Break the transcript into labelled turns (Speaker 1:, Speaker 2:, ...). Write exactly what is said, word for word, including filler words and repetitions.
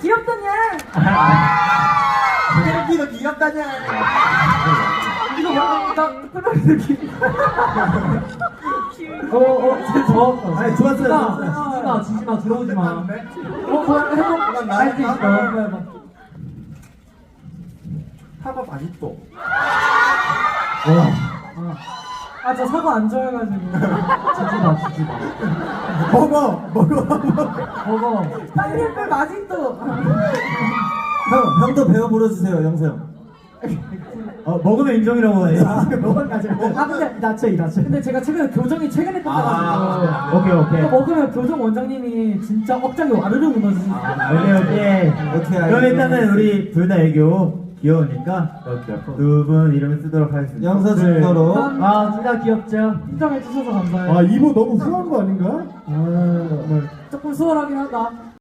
Speaker 1: 귀엽다냐?
Speaker 2: 태극기가 귀엽다냐?
Speaker 1: 이거 뭔가 나 특별한 느낌.
Speaker 3: 어어 저
Speaker 2: 아니 좋았어요.
Speaker 3: 지지마 지지마 들어오지 마.
Speaker 1: 어, 뭐 해봐.
Speaker 2: 이건
Speaker 3: 할수 있어.
Speaker 2: 나니까
Speaker 3: 해봐 해봐.
Speaker 2: 사과 맛있어.
Speaker 1: 아, 저 사과 안 좋아해가지고.
Speaker 3: 지지마 지지마.
Speaker 2: 먹어 먹어 먹어.
Speaker 3: 먹어.
Speaker 1: 파인애플 맛있어.
Speaker 2: 형 형도 배워 물어주세요 영세형. 어 먹으면 인정이라고 해. 먹으면 가지고.
Speaker 1: 아, 근데
Speaker 2: 낮춰 이 낮춰.
Speaker 1: 근데 제가 최근에 교정이 최근에 끝나가지고.
Speaker 2: 아, 오케이 오케이.
Speaker 1: 이거 먹으면 교정 원장님이 진짜 억장이 와르르 무너지시죠.
Speaker 2: 오케이 오케이. 오케이. 그럼 일단은 우리 둘 다 애교 귀여우니까 두 분 이름을 쓰도록 하겠습니다. 영서 증거로.
Speaker 3: 아 둘 다 귀엽죠.
Speaker 1: 인정해주셔서 감사해요.
Speaker 2: 아 이거 너무 후한 거 아닌가? 아 정말.
Speaker 1: 조금 수월하긴 하다.